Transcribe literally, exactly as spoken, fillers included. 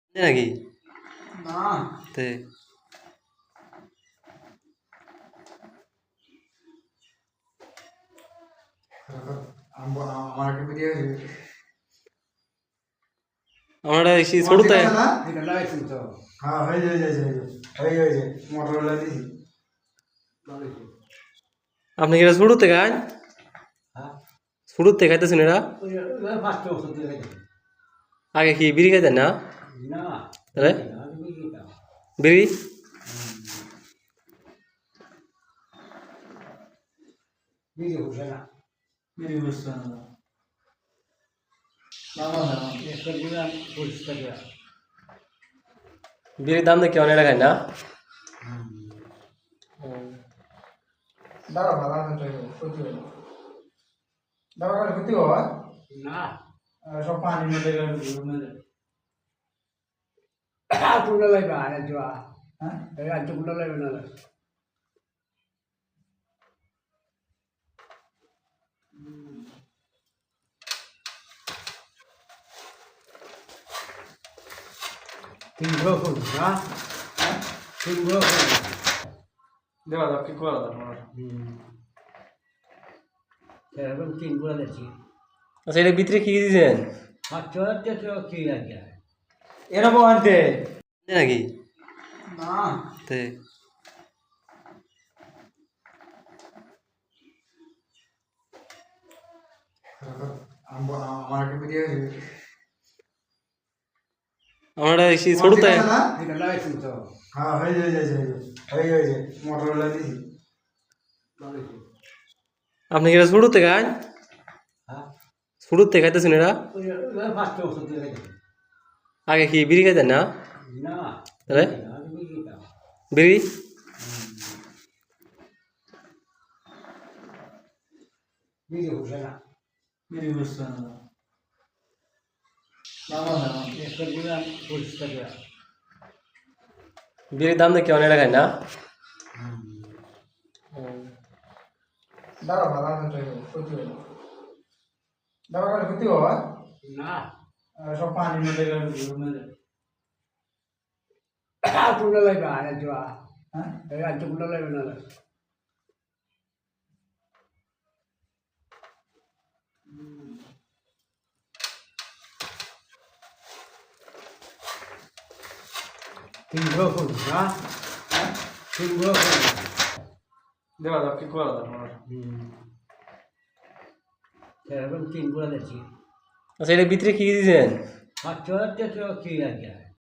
নাকি না তে আমার একটা ভিডিও আমরা এসে ছোটতে না এটা লাগাইছি তো হ্যাঁ হয়ে যায় হয়ে যায় হয়ে যায় মোটর লাগিয়েছি আপনি কি ছোটতে খান হ্যাঁ ছোটতে খাইতেছেন এরা ওই ফার্স্ট ওষুধ দিয়ে আগে কি বিড়ি খাইতেন না না তাহলে আমি বুঝিতাম বিড়ি ভিডিও হচ্ছে না ভিডিও হচ্ছে না বাবা না একটা দিলাম পরিষ্কার করা বিড়ির দাম দেখে অনেক খায় না দাঁড়া ভালো আছে ক্ষতি হয় দাঁড়া করে ক্ষতি হয় না সব পানি মধ্যে কুন্ডা লাগবে আর জোয়া হ্যাঁ রাজ্য কুন্ডা লাগবে না তিন গ্রহ করবো না তিন গ্রহ করবো দেওয়া যাক কি করা যাক আমার এখন তিন গুলা দিচ্ছি আচ্ছা এটা ভিতরে কি দিয়েছেন সাতশো হাজার কি লাগে এরকম আনতে নাকি না তে আমার একটা ভিডিও আমরা এসে ছোটতে এটা লাগাইছি তো হ্যাঁ হয়ে যায় হয়ে যায় মোটর লাগিয়েছি আপনি কি ছোটতে খান হ্যাঁ ছোটতে খাইতেছেন এরা ওই ফার্স্ট ওষুধ দিয়ে আগে কি বিড়ি খাইতেন না না তাহলে আমি বুঝিতাম বিড়ি ভিডিও হচ্ছে না ভিডিও হচ্ছে না বাবা না একটা দিলাম পরিষ্কার করা বিড়ির দাম দেখে অনেক খায় না দাঁড়া ভালো আছে ক্ষতি হয় দাঁড়া করে ক্ষতি হয় না সব পানি মধ্যে কুন্ডা লাগবে আর জোয়া হ্যাঁ রাজ্য কুন্ডা লাগবে না তিন গ্রহ করবো না তিন গ্রহ করবো দেওয়া যাক কি করা যাক আমার এখন তিন গুলা দিচ্ছি আচ্ছা এটা ভিতরে কি দিয়েছেন সাতশো হাজার কি লাগে